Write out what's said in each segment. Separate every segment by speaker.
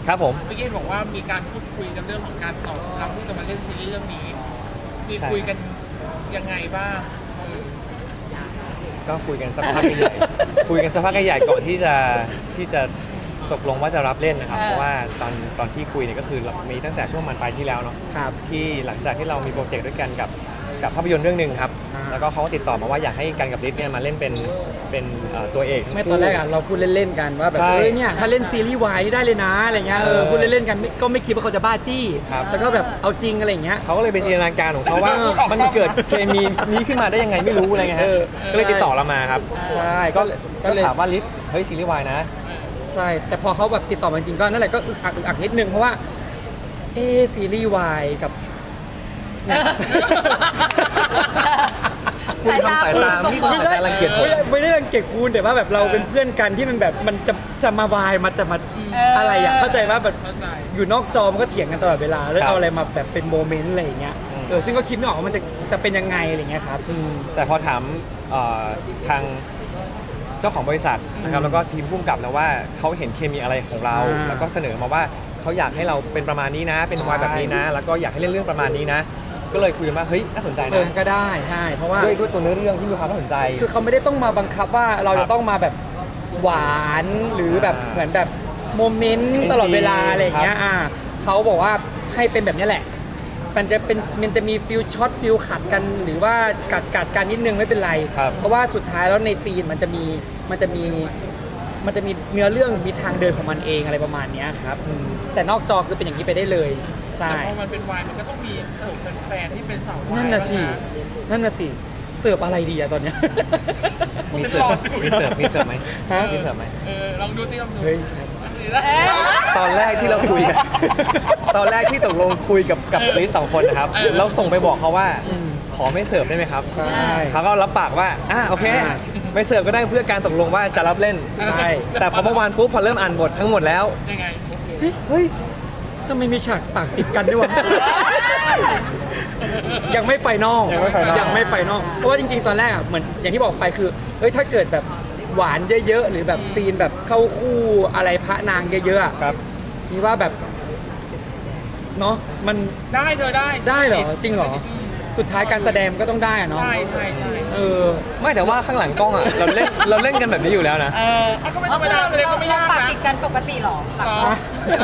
Speaker 1: ครับผม
Speaker 2: เมื่อกี้บอกว่ามีการพูดคุยกันเรื่องของการตอบรับที่จะมาเล่นซีรีส์เรื่องนี้มีคุยกันยังไงบ้าง
Speaker 1: ก็คุยกันสักพักใหญ่คุยกันสักพักใหญ่ก่อนที่จะตกลงว่าจะรับเล่นนะครับเพราะว่าตอนที่คุยเนี่ยก็คือมีตั้งแต่ช่วงมันปลายที่แล้วเนาะที่หลังจากที่เรามีโปรเจกต์ด้วยกันกับภาพยนตร์เรื่องหนึ่งครับแล้วก็เขาก็ติดต่อมาว่าอยากให้กันกับลิศเนี่ยมาเล่นเป็นตัวเอก
Speaker 3: ไม่ตอนแรกเราพูดเล่นๆกันว่าแบบเนี่ยถ้าเล่นซีรีส์วายนี่ได้เลยนะอะไรเงี้ยพูดเล่นๆกันก็ไม่คิดว่าเขาจะบ้าจี้แล้วก็แบบเอาจริงอะไรเงี้ย
Speaker 1: เขาก็เลยไปจินตนาการของเขาว่ามันเกิดเคมีนี้ขึ้นมาได้ยังไงไม่รู้อะไรเงี้ยฮะก็เลยติดต่อเรามาครับ
Speaker 3: ใช่
Speaker 1: ก็เลยถามว่าลิศเฮ้ยซีรีส์วายนะ
Speaker 3: ใช่แต่พอเขาแบบติดต่อมาจริงก็นั่นแหละก็อึกอักนิดนึงเพราะว่าซีรีส์วายกับ
Speaker 1: คุณทำสายตาพี่คุณอาจจะรังเกียจผม
Speaker 3: ไม่ได้รังเกียจคุณแต่ว่าแบบเราเป็นเพื่อนกันที่มันแบบมันจะมาวายมันจะมาอะไรอ่ะเข้าใจว่าแบบอยู่นอกจอมันก็เถียงกันตลอดเวลาแล้วเอาอะไรมาแบบเป็นโมเมนต์อะไรอย่างเงี้ยซึ่งก็คิดไม่ออกว่ามันจะเป็นยังไงอะไรเงี้ยครับ
Speaker 1: แต่พอถามทางเจ้าของบริษัทนะครับแล้วก็ทีมผู้กำกับนะว่าเขาเห็นเคมีอะไรของเราแล้วก็เสนอมาว่าเขาอยากให้เราเป็นประมาณนี้นะเป็นวายแบบนี้นะแล้วก็อยากให้เล่นเรื่องประมาณนี้นะก็เลยคุยกันว่าเฮ้ยน่าสนใจนะ
Speaker 3: ก็ได้ใช่เพราะว่า
Speaker 1: ด้วยตัวเนื้อเรื่องที่มีความน่าสนใจ
Speaker 3: คือเขาไม่ได้ต้องมาบังคับว่าเราจะต้องมาแบบหวานหรือแบบเหมือนแบบโมเมนต์ตลอดเวลาอะไรอย่างเงี้ยเขาบอกว่าให้เป็นแบบนี้แหละมันจะมีฟิลช็อตฟิลขัดกันหรือว่ากัดกันนิดนึงไม่เป็นไรเพราะว่าสุดท้ายแล้วในซีนมันจะมีเนื้อเรื่องมีทางเดินของมันเองอะไรประมาณนี้ครับแต่นอกจอคือเป็นอย่างนี้ไปได้เลยใช่
Speaker 2: แต่พอมันเป็นวายมันก็ต้องมีเสิร์ฟแฟนๆที่เป็นสาววาย
Speaker 3: นั่นน่ะสิเสิร์ฟอะไรดีอะตอนเนี้ย
Speaker 1: มีเสิร์ฟไหมมีเสิร์ฟไหม
Speaker 2: ลองดูสิลองดู
Speaker 1: ตอนแรกที่เราคุยกันตอนแรกที่ตกลงคุยกับลิศ2 คนนะครับเราส่งไปบอกเขาว่าขอไม่เสิร์ฟได้ไหมครับ
Speaker 3: ใช่
Speaker 1: เขาก็รับปากว่าโอเคไม่เสิร์ฟก็ได้เพื่อการตกลงว่าจะรับเล่น
Speaker 3: ใช่
Speaker 1: แต่พอเมื่อวานปุ๊บพอเริ่มอ่านบททั้งหมดแล้ว
Speaker 2: ยังไง
Speaker 3: เฮ้ยทำไมมีฉากปากติดกันด้วยวะยังไม่ไฟนอลเพราะว่าจริงๆตอนแรกเหมือนอย่างที่บอกไปคือถ้าเกิดแบบหวานเยอะๆหรือแบบซีนแบบเข้าคู่อะไรพระนางเยอะๆ
Speaker 1: ครับ
Speaker 3: นี่ว่าแบบเนาะมัน
Speaker 2: ได้
Speaker 3: เหรอจริงเหรอสุดท้ายการแสดงก็ต้องได้เนาะ
Speaker 2: ใช่
Speaker 1: ไม่แต่ว่าข้างหลังกล้องเราเล่นกันแบบนี้อยู่แล้วนะ
Speaker 2: ก็ไม่ธรรมดาแสดงก็ไม่ยากนะ
Speaker 4: ปากติดกันปกติหรอหลังกล้อง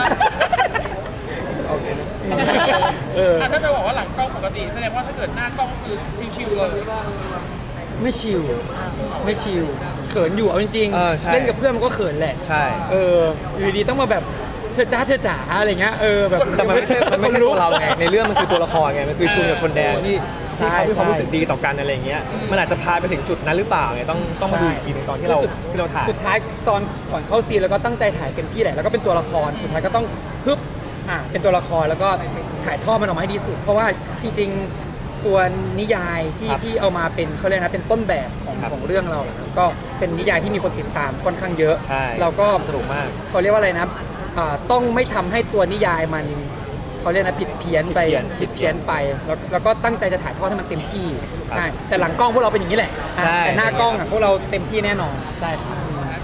Speaker 2: ถ้าจะบอกว่าหลังกล้องปกติแสดงว่าถ้าเกิดหน้ากล้องคือชิวๆเลย
Speaker 3: ไม่ชิวเขินอยู่เอาจริงๆเล่นกับเพื่อนมันก็เขินแหละ
Speaker 1: ใช่
Speaker 3: อยู่ดีต้องมาแบบเธอจ๋าอะไรเงี้ยแบบ
Speaker 1: แต่มันไม่ใช่ตัวเราไงในเรื่องมันคือตัวละครไงมันคือชุนกับชนแดงที่เขามีความรู้สึกดีต่อกันอะไรเงี้ยมันอาจจะพาไปถึงจุดนั้นหรือเปล่าไงต้องมาดูอีกทีนึงตอนที่เราถ่าย
Speaker 3: สุดท้ายตอนก่อนเข้าซีนแล้วก็ตั้งใจถ่ายเต็มที่แหละแล้วก็เป็นตัวละครสุดท้ายก็ต้องฮึบเป็นตัวละครแล้วก็ถ่ายทอดมันออกมาให้ดีสุดเพราะว่าจริงๆตัวนิยายที่เอามาเป็นเขาเรียกนะเป็นต้นแบบของเรื่องเราก็เป็นนิยายที่มีคนติดตามค่อนข้างเยอะเราก็
Speaker 1: สนุกมาก
Speaker 3: เขาเรียกว่าอะไรนะต้องไม่ทำให้ตัวนิยายมันเขาเรียกนะผิดเพี้ยนไปแล้วก็ตั้งใจจะถ่ายทอดให้มันเต็มที่ใช่แต่หลังกล้องพวกเราเป็นอย่างนี้แหละแต่หน้ากล้องพวกเราเต็มที่แน่นอนใช่ครับ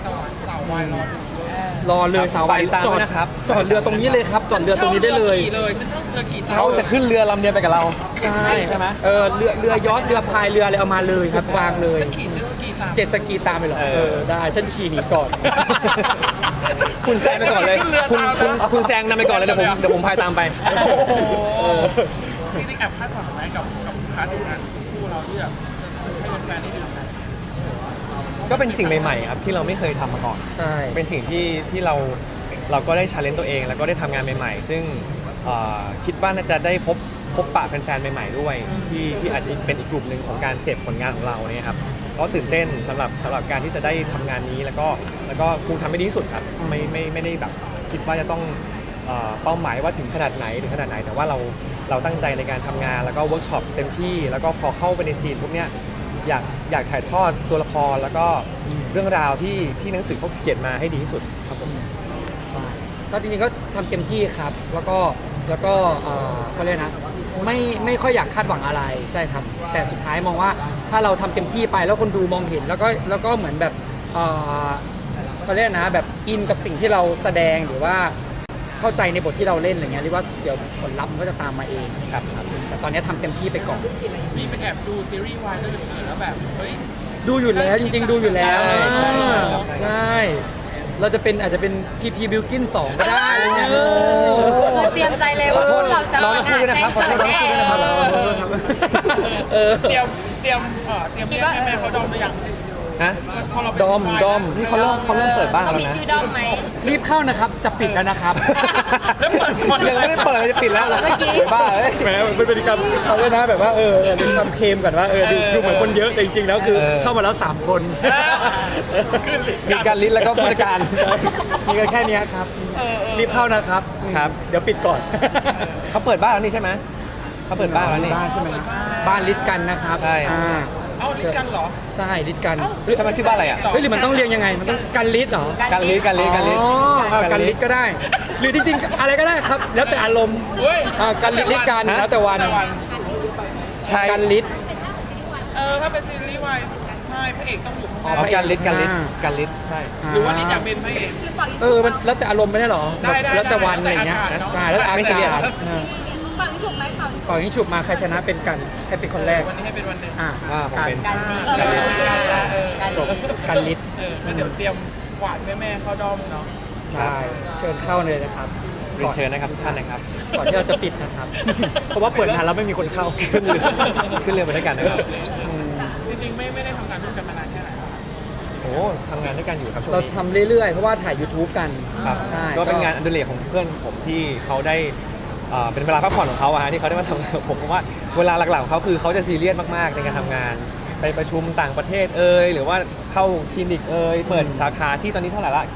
Speaker 3: รอเลยสาววาย
Speaker 1: จอดนะครับ
Speaker 3: จอดเรือตรงนี้เลยครับจอดเรือตรงนี้ได้เลย
Speaker 1: เขาจะขึ้นเรือลำเดียวไปกับเรา
Speaker 3: ใช่ไหมเรือยอชต์เรือพายเรืออะไรเอามาเลยครับวางเลยเจ็ตสกีตามไปเหรอได้ฉันขี่หนีก่อน
Speaker 1: คุณแซงไปก่อนเลยคุณแซงนำไปก่อนเลยเดี๋ยวผมพายตามไป
Speaker 2: จริงๆแอบคาดหวังไหมกับพาร์ทงานคู่เราที่แบบให้แฟนๆได้ดูกัน
Speaker 1: ก็เป็นสิ่งใหม่ๆครับที่เราไม่เคยทำมาก่อน
Speaker 3: ใช่
Speaker 1: เป็นสิ่งที่เราก็ได้ชาเลนจ์ตัวเองแล้วก็ได้ทำงานใหม่ๆซึ่งคิดว่าน่าจะได้พบปะแฟนๆใหม่ๆด้วยที่อาจจะเป็นอีกกลุ่มหนึ่งของการเสพผลงานของเราเนี่ยครับก็ตื่นเต้นสำหรับการที่จะได้ทำงานนี้แล้วก็คงทำให้ดีที่สุดครับไม่ได้แบบคิดว่าจะต้องเป้าหมายว่าถึงขนาดไหนแต่ว่าเราตั้งใจในการทำงานแล้วก็เวิร์กช็อปเต็มที่แล้วก็พอเข้าไปในซีนพวกเนี้ยอยากถ่ายทอดตัวละครแล้วก็เรื่องราวที่หนังสือเขาเขียนมาให้ดีที่สุดครับผม
Speaker 3: ก็จริงๆก็ทำเต็มที่ครับแล้วก็เขาเรียกนะไม่ค่อยอยากคาดหวังอะไรใช่ครับแต่สุดท้ายมองว่าถ้าเราทำเต็มที่ไปแล้วคนดูมองเห็นแล้วก็เหมือนแบบเขาเรียกนะแบบอินกับสิ่งที่เราแสดงหรือว่าเข้าใจในบทที่เราเล่นอะไรเงี้ยเรียกว่าเดี๋ยวผลลัพธ์มันก็จะตามมาเอง
Speaker 1: ครับ
Speaker 3: แต่ตอนนี้ทำเต็มที่ไปก่อน
Speaker 2: มีไปแอบดูซีรีส์วายด้วยหรือเปล่าแล้วแบบเฮ้ย
Speaker 3: ดูอยู่แล้วจริง ๆ ดูอยู่แล้ว
Speaker 1: ใช่
Speaker 3: ใช่เราจะเป็นอาจจะเป็น PP Bilkin 2 ก็ได้อะไรเงี้ย
Speaker 4: คือเตรียมใจเลยว่าเราจะ
Speaker 1: น้องทั้งคู่ด้วยนะครับขอโทษน้องทั้งคู่ด้วยนะครับ
Speaker 2: เตรียมเรียกแม่เขาดอมหรือยัง
Speaker 1: ฮะ
Speaker 2: พอเราเป็น
Speaker 3: ดอม
Speaker 1: นี่เขาเริ่มเปิดบ้าง
Speaker 4: ต้อ
Speaker 1: แล้ว
Speaker 4: งมี
Speaker 1: นะ
Speaker 4: ชื่อด้อมไหม
Speaker 3: รีบเข้านะครับ จะปิดแล้วนะครับ
Speaker 2: แล้วเปิดคน
Speaker 1: ยังไม่ได้เปิดเลยจะปิดแล้วเหรอ
Speaker 4: เมื่อกี้
Speaker 1: บ้าเอ้ย
Speaker 3: แหมมันเป็นการเอาเลยนะแบบว่าเป็นคำเคลมก่อนว่าดูเหมือนคนเยอะแต่จริงๆแล้วคือเข้ามาแล้ว 3 คน
Speaker 1: มีการลิ้นแล้วก็ผู้จัดการ
Speaker 3: มีกันแค่เนี้ยครับรีบเข้านะครับ
Speaker 1: ครับ
Speaker 3: เดี๋ยวปิดก่อน
Speaker 1: เขาเปิดบ้านแล้วนี่ใช่ไหมเขาเปิดบ้านแล้วนี่
Speaker 3: บ้านใช่ไหมบ้านลิดกันนะครับ
Speaker 1: ใช่
Speaker 2: เอาลิกันเหรอ
Speaker 3: ใช่ลิดกัน
Speaker 1: ใช่ไหมชื่อบ้านอะไรอ่ะ
Speaker 3: เฮ้ยหรือมันต้องเรียงยังไงมันต้องกันลิดเหรอ
Speaker 1: การลิ้น
Speaker 3: อ๋อกันลิดก็ได้ หรือจริงๆอะไรก็ได้ครับ แล้วแต่อารมณ์
Speaker 2: เฮ้ย
Speaker 3: กันลิดลิดกันแล้วแต่วัน
Speaker 1: ใช่
Speaker 3: กันลิด
Speaker 2: ถ้าเป็นซีรีส์วายใช่พระเอกต้องอยู่ข้างห
Speaker 1: อ๋
Speaker 2: น้า
Speaker 1: อการลิ้นใช่
Speaker 2: หรือว่าลิอยากเป็นพระเอก
Speaker 3: มันแล้วแต่อารมณ์ไม่ได้หรอ
Speaker 2: ได้
Speaker 3: แล้วแต่วันอะไรเงี้ย
Speaker 2: แล้วแต่อากาศเนอะ
Speaker 3: ใช่แล้วแต่อา
Speaker 1: ไม่ซีเรียส
Speaker 3: กาศ
Speaker 1: ครับ
Speaker 4: เป่ายิงฉุบไหมเป่ายิงฉุบ
Speaker 3: ก่อนยิงฉุบมาใครชนะเป็นกันให้เป็นคนแรก
Speaker 2: วันนี้ให้เป็นวันหนึ่ง
Speaker 1: ผมเป็น
Speaker 4: กันนี้
Speaker 3: จบกันลิด
Speaker 2: ก็เดี๋ยวเตรียมหวานแม่เข้าด้อมเนาะ
Speaker 3: ใช่เชิญเข้าเลยนะครับ
Speaker 1: เรียนเชิญนะครับทุกท่านนะครับ
Speaker 3: ก่อนที่เราจะปิดนะครับ เพราะว่าเปิดงานแล้วไม่มีคนเข้า
Speaker 1: ขึ้นเรือไปด้วยกันนะครับ
Speaker 2: จริงๆไม่ได้ทำงานร่วมกันมานานแค่ไหนแล้ว
Speaker 1: โอ้ทำงานด้วยกันอยู่ครับช่วง
Speaker 3: เรา
Speaker 1: นี้
Speaker 3: ทำเรื่อยๆ เพราะว่าถ่าย YouTube กัน
Speaker 1: ครับ
Speaker 3: ใช่
Speaker 1: ก็เป็นงานอดิเรกของเพื่อนผมที่เขาได้เป็นเวลาพักผ่อนของเขาอะฮะที่เขาได้มาทำงานกับผมเพราะว่าเวลาหลักๆของเขาคือเขาจะซีเรียสมากๆในการทำงานไปประชุมต่างประเทศหรือว่าเข้าคลินิกเปิดสาขาที่ตอนนี้เท่าไหร่ละ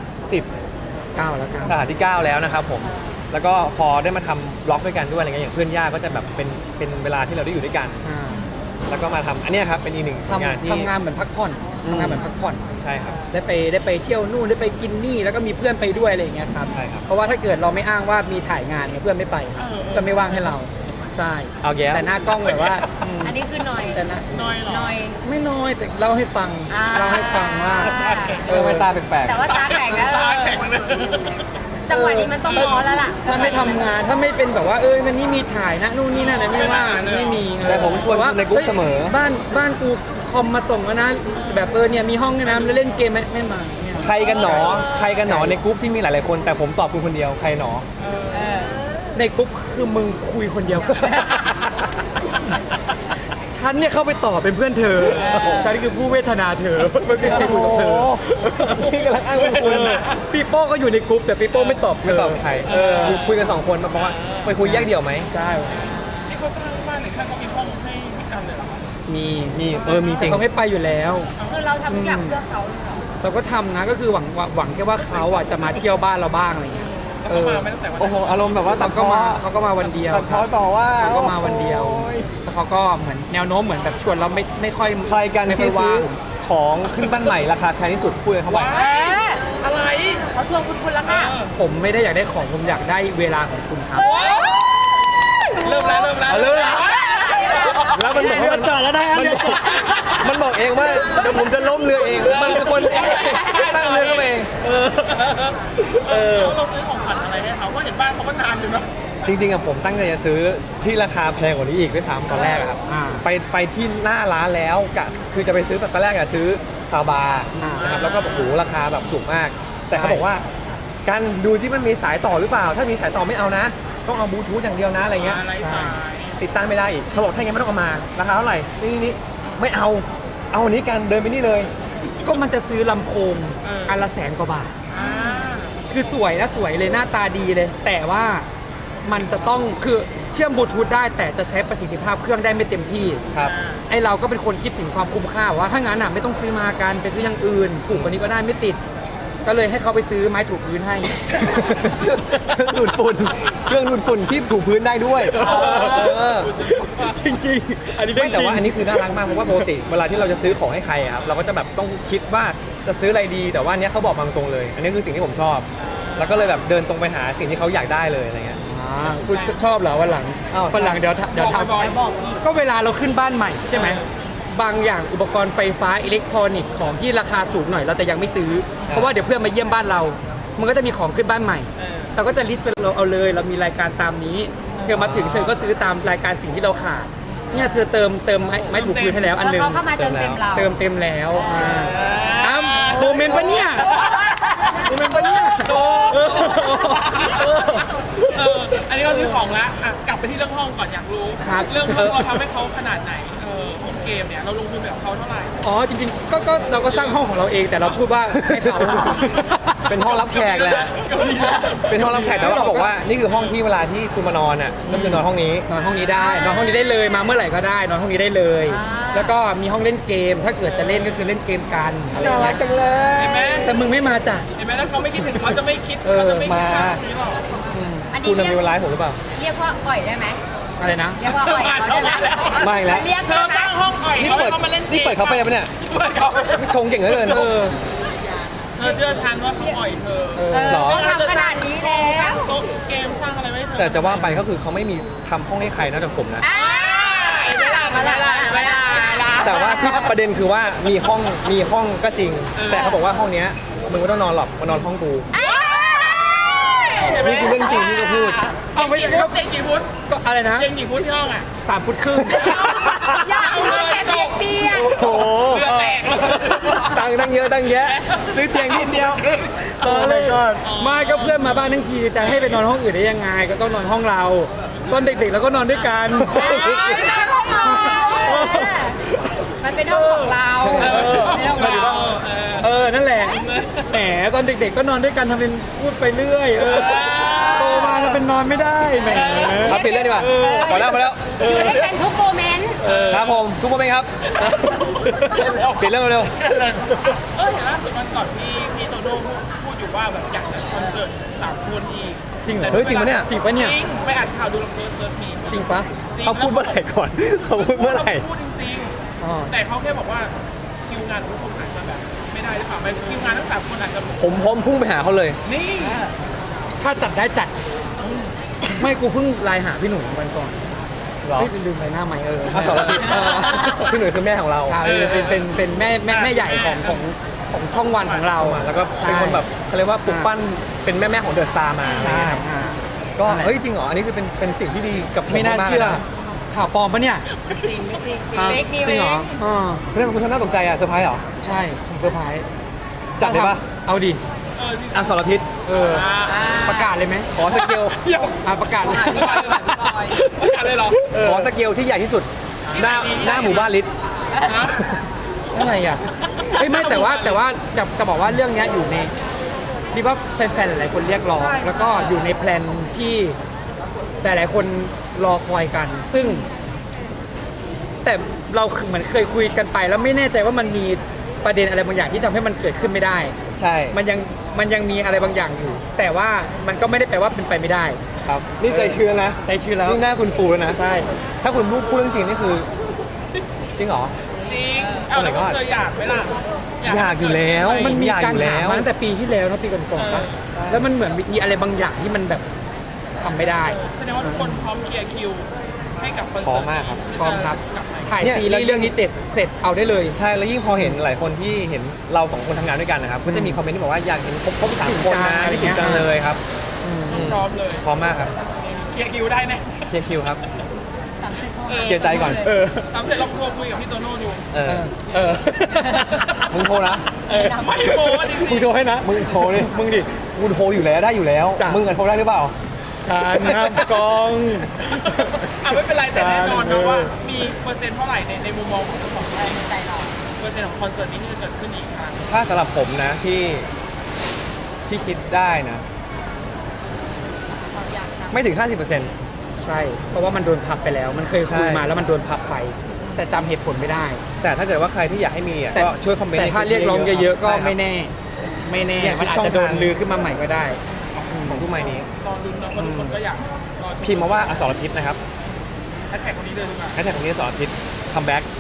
Speaker 1: 10
Speaker 3: ก้าวแล้วครับ
Speaker 1: สาขาที่ 9 แล้วนะครับผมแล้วก็พอได้มาทำบล็อกด้วยกันด้วยอะไรเงี้ยอย่างเพื่อนย่าก็จะแบบเป็นเวลาที่เราได้อยู่ด้วยกัน
Speaker 3: อ่า
Speaker 1: แล้วก็มาทำอันเนี้ยครับเป็นอีกหนึ่งงานที่
Speaker 3: ทำงานเหมือนพักผ่อนทำงานเหมือนพักผ่อน
Speaker 1: ใช่ครับ
Speaker 3: ได้ไปเที่ยวนู่นได้ไปกินนี่แล้วก็มีเพื่อนไปด้วยอะไรอย่างเงี้ยครับ
Speaker 1: ใช่ครับ
Speaker 3: เพราะว่าถ้าเกิดเราไม่อ้างว่ามีถ่ายงานเนี่ยเพื่อนไม่ไปครับเพื่อนไม่ว่างให้เราใช่
Speaker 1: เอาแย้
Speaker 3: แต่หน้ากล้องแบบว่า
Speaker 4: อันนี้คือหน่อย
Speaker 3: แต่นะ
Speaker 2: น้อยเหรอ
Speaker 4: หน่อย
Speaker 3: ไม่น้อยแต่เล่าให้ฟัง
Speaker 4: อ่า
Speaker 3: เล่าให้ฟังว่า
Speaker 1: ไม่ตาแปลก
Speaker 4: แต่ว่าตาแข็งนะ
Speaker 2: ตาแข็งเลย
Speaker 4: จังหวะนี้มันต้องมอแล้วล่ะ
Speaker 3: ถ้าไม่ทำงานถ้าไม่เป็นแบบว่าวันนี้มีถ่ายนะนู่นนี่นั่นอะไรไม่ว่าไม่มี
Speaker 1: แต่ผมชวน
Speaker 3: ว่า
Speaker 1: ในกรุ๊ปเสมอ
Speaker 3: บ้านกูคอมมาส่งแล้วนะแบบเนี่ยมีห้องด้วยนะแล้วเล่นเกมไหมไม่มาเนี่ย
Speaker 1: ใครกันหนอในกรุ๊ปที่มีหลายๆคน แต่ผมตอบคุณคนเดียวใครหนอ
Speaker 3: ในกรุ๊ปคือมึงคุยคนเดียว ฉันเนี่ยเข้าไปต่อเป็นเพื่อนเธอ ฉันคือผู้เวทนาเธอไม่มีใครคุยกับเธอ
Speaker 1: นี่กำลังอ้างคุณ
Speaker 3: ปีโป้ก็อยู่ในกรุ๊ปแต่ปีโป้ไม่ตอบเธ
Speaker 1: ไม่
Speaker 3: อ
Speaker 1: ตอบใครคุยกัน2 คนมาบอกว่าไปคุยแยกเดี่ยวไหม
Speaker 3: ใช่
Speaker 2: นี่เขาสร้างบ้านหรือขั้นเขามีห้องให้พี่กันเลยเหรอ
Speaker 3: มี
Speaker 1: มีจ
Speaker 3: แต่
Speaker 1: ริง
Speaker 3: เขาไม่ไปอยู่แล้ว
Speaker 4: คือเราทำทุกอย่างเพื่อเขาเลยเหรอ
Speaker 3: เราก็ทำนะก็คือหวังแค่ว่าเขาอ่ะจะมาเที่ยวบ้านเราบ้างอะไรเงี้ย
Speaker 2: แล้วเขามาไม่ตั้งแต่วัน
Speaker 1: โอ้
Speaker 2: นั้น
Speaker 1: โหอารมณ์แบบว่าตั
Speaker 3: เขา
Speaker 1: ด
Speaker 3: ก็มาวันเดียว
Speaker 1: ตัดพ้อต่อว่า
Speaker 3: เขาก็มาวันเดียวแล้วเขาก็เหมือนแนวโน้มเหมือนแบบชวนเราไม่ค่อย
Speaker 1: ใครกัน
Speaker 3: ไม่ค่
Speaker 1: ที่
Speaker 3: อย
Speaker 1: ซื้อ
Speaker 3: ว่าง
Speaker 1: ของขึ้นบ้านใหม่ราคาแพงที่สุดพูดเลยเขาบอก
Speaker 4: เอ๊ะ
Speaker 2: อะไร
Speaker 4: เขาทวงคุณแล้วค่ะ
Speaker 3: ผมไม่ได้อยากได้ของผมอยากได้เวลาของคุณครับ
Speaker 2: เริ่มแล้ว
Speaker 1: แล้วมันบอก
Speaker 3: เรือจอดแล้วนะเรือจอด
Speaker 1: มันบอกเองว่าเดี๋ยวผมจะล้มเรือเองมันเป็นคนตั้งเรือเข้ามาเอง
Speaker 2: เราซื้อของขวัญอะไรให้เขาว่าเห็นบ้านเขาก็นานอยู่เนาะ
Speaker 1: จริงๆอะผมตั้งใจจะซื้อที่ราคาแพงกว่านี้อีกด้วยซ้ำตอนแรกอะครับ ไปที่หน้าร้านแล้วคือจะไปซื้อแบบตอนแรกอะซื้อซาบานะครับแล้วก็โอ้โหราคาแบบสูงมาก แต่เขาบอกว่าการดูที่มันมีสายต่อหรือเปล่า ถ้ามีสายต่อไม่เอานะ ต้องเอาบลูทูธอย่างเดียวนะอะไรเงี้ย
Speaker 2: อะไรสาย
Speaker 1: ติดตั้งไม่ได้อีกเขาบอกถ้าอย่างงั้นไม่ต้องเอามาราคาเท่าไหร่นี่ไม่เอาอันนี้กันเดินไปนี่เลย
Speaker 3: ก็มันจะซื้อลำโพงอันละ100,000 กว่าบาท
Speaker 2: อ่า
Speaker 3: คือสวยนะสวยเลยหน้าตาดีเลย แต่ว่ามันจะต้องคือเชื่อมบลูทูธได้แต่จะใช้ประสิทธิภาพเครื่องได้ไม่เต็มที่
Speaker 1: ครับ
Speaker 3: ไอเราก็เป็นคนคิดถึงความคุ้มค่าว่าถ้างั้นอ่ะไม่ต้องซื้อมากันไปซื้ออย่างอื่นถูกกว่านี้ก็ได้ไม่ติด ก็เลยให้เขาไปซื้อไม้ถูพื้นให้
Speaker 1: ดูดฝุ่นเครื่องดูดฝุ่นที่ถูพื้นได้ด้วยเออ
Speaker 3: จริงๆ อันนี้
Speaker 1: ไม่แต่ว่าอันนี้คือน่ารักมากเพราะว่าปกติเวลาที่เราจะซื้อของให้ใครอะครับเราก็จะแบบต้องคิดว่าจะซื้ออะไรดีแต่ว่าอันเนี้ยเขาบอกมาตรงๆเลย อันนี้คือสิ่งที่ผมชอบ แล้วก็เลยแบบเดินตรงไปหาสิ่งที่เขาอยากได้เลยอะไรเงี้ย
Speaker 3: คุณชอบเหรอวันหลัง
Speaker 1: อ้าว
Speaker 3: วันหลังเดี๋ยวท
Speaker 2: บอก
Speaker 3: ำก็เวลาเราขึ้นบ้านใหม่ใช่ไหมบางอย่างอุปกรณ์ไฟฟ้าอิเล็กทรอนิกส์ของที่ราคาสูงหน่อยเราจะยังไม่ซื้อ เพราะว่าเดี๋ยวเพื่อนมาเยี่ยมบ้านเรามันก็จะมีของขึ้นบ้านใหม่ เราก็จะลิสต์ไปเราเอาเลยเรามีรายการตามนี้เธอมาถึงเธอก็ซื้อตามรายการสิ่งที่เราขาดเนี่ยเธอเติมไม้ถูพื้นให้แล้วอัน
Speaker 4: แล้ว
Speaker 3: หนึง
Speaker 4: เขาเข้ามาเติมเต็มเรา
Speaker 3: เติมเต็มแล้วอ้าวโมเมนต์ปะเนี่ยโมเมนต์ปะเนี่ย
Speaker 2: อันนี้เราซื้อของแล้วอ่ะกลับไปที่เรื่องห้องก่อนอยากรู้ เรื่องห้องเราทำให้เขาขนาดไหนห้องเกมเนี่ยเราลงทุนแบบเขาเท่าไหร่
Speaker 3: อ๋อจริงๆก็เราก็สร้างห้องของเราเองแต่เราพูดว่าให้เขา
Speaker 1: เป็นห้องรับแขกแหละเป็นห้องรับแขกแต่ว่าเราบอกว่านี่คือห้องที่เวลาที่คุณมานอนอ่ะก็คือนอนห้องนี้
Speaker 3: นอนห้องนี้ได้นอนห้องนี้ได้เลยมาเมื่อไหร่ก็ได้นอนห้องนี้ได้เลย แล้วก็มีห้องเล่นเกม ถ้าเกิดจะเล่นก็คือเล่นเกมกันอะไรอย่างเงี้ย
Speaker 2: เห็นไหม
Speaker 3: แต่มึงไม่มาจ้ะ
Speaker 2: เห็นไหมถ้าเขาไม่คิดถึงเขาจะไม่คิดเขาจะไม่คิดค่าตรงนี้หรอก
Speaker 4: อัน
Speaker 1: คุ
Speaker 4: นี้
Speaker 1: ณ
Speaker 4: เรียก
Speaker 1: มีเวลาให้ผมหรือเปล่า
Speaker 4: เรียกว่าอ่อยได้ไหม
Speaker 3: อะไรนะ
Speaker 4: เรียกว่าอ่อยเขาได้ไหม
Speaker 1: ไม่แล้ว
Speaker 4: เรียก
Speaker 2: เธ
Speaker 4: ได้
Speaker 2: อ
Speaker 4: ไหม
Speaker 2: สร้างห้องอ่อย
Speaker 1: นี่
Speaker 2: เขา
Speaker 1: เปิ
Speaker 2: ให้
Speaker 1: ด
Speaker 2: เขามาเล่นเกม
Speaker 1: นี่เปิดคาเฟ่ปะเนี่ย
Speaker 2: เปิดเขา
Speaker 1: ชงเก่งเหลือเกิน
Speaker 2: เธอเชื่อทันว่าเขาอ่อยเธอ
Speaker 1: หรอ
Speaker 4: เขาทำขนาดนี้แล้ว
Speaker 2: โต๊ะเกมสร้างอะไรไว้ให้เธอ
Speaker 1: แต่จะว่าไปก็คือเขาไม่มีทำห้องให้ใครนอกจากผมนะ
Speaker 2: เวลาเวลา
Speaker 1: แต่ว่าที่ประเด็นคือว่ามีห้องก็จริง แต่เขาบอกว่าห้องเนี้ยมึงไม่ต้องนอนหรอกมานอนห้องกู นี่คือเรื่องจริงที่เขาพูด
Speaker 2: เอาไม่ใช่เต็งกี่ฟุต
Speaker 3: ก็อะไรนะ
Speaker 2: เต็งกี่ฟุตที่ห้องอ่ะ
Speaker 3: 3 ฟุตครึ่ง
Speaker 4: อยากเอาเลยแต่เปียก
Speaker 1: โอ้โห
Speaker 2: เรือแตกเลย
Speaker 1: ตั้งเยอะตั้งแยะซื้อเตียงนิดเดียว
Speaker 3: เออเลยไม่ก็เพื่อนมาบ้านทั้งทีจะให้ไปนอนห้องอื่นได้ยังไง ก็ต้องนอนห้องเราตอนเด็กๆเราก็นอนด้วยกัน
Speaker 4: ไม่ได้ห้องเรามันเป็นห้องของเราเป็นห้องของเรา
Speaker 3: นั่นแหละแหมตอนเด็กๆก็นอนด้วยกันทำเป็นพูดไปเรื่อยโตมาทำเป็นนอนไม่ได้แหม
Speaker 1: มาปิดเรื่องดีกว่าพอแล้ว
Speaker 4: อยู่ด้วยกันทุกโมเมนต์
Speaker 1: ครับผมทุกคนไหมครับปิดเรื่องเร็ว
Speaker 2: เห็นล่าสุดวันก่อนพี่โตโน่พูดอยู่ว่าแบบอยากจะคอนเสิร์ต3 คนอีก
Speaker 3: จริงเหรอ
Speaker 1: เฮ้ยจริงปะเนี่ย
Speaker 3: จริงปะเนี่ย
Speaker 2: จริงไปอ่านข่าวดูลองเซิร์ชมี
Speaker 3: จริงปะ
Speaker 1: เขาพูดเมื่อไหร่ก่อนเขาพูดเมื่อไหร่
Speaker 2: พูดจริง
Speaker 3: อ๋อ
Speaker 2: ๆแต่เขาแค่บอกว่าคิวงานทุกคนอาจจะแบบไม่ได้หรือเปล่าไม่คิวงานทั้ง3 คนอาจจะ
Speaker 1: ผมพร้อมพุ่งไปหาเขาเลย
Speaker 2: นี่
Speaker 3: ถ้าจัดได้จัด ไม่กูเพิ่งไลน์หาพี่หนุ่มวันก่อน
Speaker 1: เหรอ
Speaker 3: เฮ้ยลืมไปหน้าไหม
Speaker 1: อสรพิษพี่หนุ่ยคือแม่ของเรา
Speaker 3: เป็นแม่ใหญ่ของช่องวันของเรา
Speaker 1: แล้วก็เป็นคนแบบเขาเรียกว่าปลุกปั้นเป็นแม่ของเดอะสตาร์มา
Speaker 3: ใช่อ่า
Speaker 1: ก็
Speaker 3: นั่นแหละ
Speaker 1: เฮ้ยจริงเหรออันนี้คือเป็นสิ่งที่ดีกับผม
Speaker 3: ไม่น่า
Speaker 1: ๆ
Speaker 3: เชื่อ
Speaker 1: ลยะ
Speaker 3: ข่าวปลอมปะเนี่ย
Speaker 4: จริงไม่จริงจริงเฟกนิว
Speaker 3: จริงเหรออ่า
Speaker 1: เรื่องคุณทำน่าตกใจอ่ะเซอร์ไพรส์เหรอ
Speaker 3: ใช่ผมเซอร์ไพรส์
Speaker 1: จัดเลยปะ
Speaker 3: เอาดิ
Speaker 2: ที่
Speaker 1: อสรพิษ
Speaker 3: ประกาศเลยไหม
Speaker 1: ขอสเกล
Speaker 3: ประกาศเลย
Speaker 2: อะไรเหรอ
Speaker 1: ขอสเกลที่ใหญ่ที่สุดหน้าหมู่บ้านลิศ
Speaker 3: อะไรอ่ะเฮ้ยไม่แต่ว่าจะบอกว่าเรื่องเนี้ยอยู่ในดีว่าแฟนๆหลายๆคนเรียกร้องแล้วก็อยู่ในแพลนที่หลายๆคนรอคอยกัน ซึ่ง แต่เราเหมือนเคยคุยกันไป แล้วไม่แน่ใจว่ามันมีประเด็นอะไรบางอย่างที่ทำให้มันเกิดขึ้นไม่ได้
Speaker 1: ใช่
Speaker 3: มันยังมีอะไรบางอย่างอยู่ แต่ว่ามันก็ไม่ได้แปลว่าเป็นไปไม่ได้
Speaker 1: ครับนี่ใจชื้นนะ
Speaker 3: ใจชื่อแล้ว
Speaker 1: นี่หน้าคุณฟูแล้วนะ
Speaker 3: ใช่
Speaker 1: ถ้าคุณพูดเรื่องจริงนี่คือ จริงเหรอ
Speaker 2: จริงเอาแต่ก็เคยอยากไหมล่ะ
Speaker 1: อยากอยู่แล้ว
Speaker 3: มันมี
Speaker 1: อยาก
Speaker 3: การ
Speaker 1: อยู่แล้
Speaker 3: ถาม
Speaker 1: ว
Speaker 3: มาตั้งแต่ปีที่แล้วนะปีก่อนๆปะแล้วมันเหมือนมีอะไรบางอย่างที่มันแบบทำไม่ได้
Speaker 2: แสดงว่าทุกคนพร้อมเคลียร์คิวให้กับคอน
Speaker 1: พร้อ
Speaker 2: เสิร์ต
Speaker 1: มมากครับ
Speaker 3: พร้อมครับ
Speaker 2: กลับมา
Speaker 3: ถ่าย
Speaker 1: เนี่ย
Speaker 3: ซีรีส์เรื่องนี้เสร็จเอาได้เลย
Speaker 1: ใช่แล้วยิ่งพอเห็นหลายคนที่เห็นเราสองคนทำงานด้วยกันนะครับก็จะมีคอมเมนต์ที่บอกว่าอยากเห็นครบสามคนนะ
Speaker 3: อะไร
Speaker 1: ที่
Speaker 3: เงี้
Speaker 1: ถึ
Speaker 3: ย
Speaker 1: งจังเลยครับ
Speaker 2: พร้อมเลย
Speaker 1: พร้อมมากครับ
Speaker 2: เคลียร์คิวได้แน่
Speaker 1: เคลียร์คิวครับ
Speaker 4: 30
Speaker 1: เคลียร์ใจก่อน
Speaker 2: ทำเสร็จลองโทรคุยกับพี่โตโน่ดู
Speaker 1: มึงโทรนะ
Speaker 2: ไม่โม้จริ
Speaker 1: มึง
Speaker 2: ง
Speaker 1: โทรให้นะมึงโทรดิมึงดิกูโทรอยู่แล้วได้อยู่แล้ว
Speaker 3: จ้ะ
Speaker 1: มึงอะโทรได้หรือเปล่า
Speaker 3: ทานน้ำกอง
Speaker 2: ไม่เป็นไรแต่แน่นอนนะว่ามีเปอร์เซ็นต์เท่าไหร่ในมุมมองของทั้งสองท่านใจเราเปอร์เซ็นต์ของคอนเสิร์ตนี้ที่จะเกิดขึ้นอีกครั้ง
Speaker 1: ถ้าสำหรับผมนะที่คิดได้นะ ไม่ถึง 50%
Speaker 3: ใช่ เพราะว่ามันโดนพับไปแล้ว มันเคยคุย
Speaker 1: ใช่
Speaker 3: มาแล้วมันโดนพับไป แต่จำเหตุผลไม่ได้
Speaker 1: แต่ถ้าเกิดว่าใครที่อยากให้มีอ่ะ
Speaker 3: แต่
Speaker 1: ก็ช่วยคอมเมนต์
Speaker 3: แต่
Speaker 1: ใน
Speaker 3: ถ้า
Speaker 1: คลิป
Speaker 3: เรียกร้องเยอะๆก็
Speaker 1: ใช่ครับ
Speaker 3: ไม่แน่
Speaker 1: เนี่ย
Speaker 3: มันอาจ
Speaker 1: ช่อง
Speaker 3: จะโดน
Speaker 1: ทาง
Speaker 3: ลือขึ้นมาใหม่ก็ได้
Speaker 1: ของทุกไม้นี้
Speaker 2: รอลุ้นนะเพราะทุกคนก็อยากรอช
Speaker 1: พิมพ์มาว่าอสรพิษนะครับ
Speaker 2: แฮชแท็กคนนี้เลยดีกว่า
Speaker 1: แฮชแท็กของนี้อสรพิษคัมแบ็ก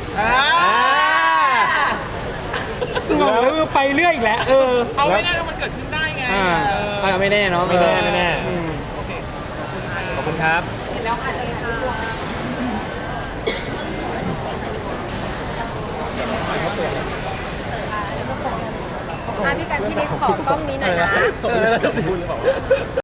Speaker 3: บอกเลยไปเรื่อยอีกแล้ว
Speaker 2: เอาไม่ได้แล้วมันเกิดขึ้นได้ไง
Speaker 3: ไม่แน่เนาะ
Speaker 1: ไม่แน่ไม่แน่
Speaker 3: อืม
Speaker 2: โอเค
Speaker 1: ขอบคุณครับ
Speaker 4: เห็นแล้วค่ะเลยค่ะ
Speaker 3: ข
Speaker 4: พี่กันพี่นิดขอกล้องนี้หน่อยนะ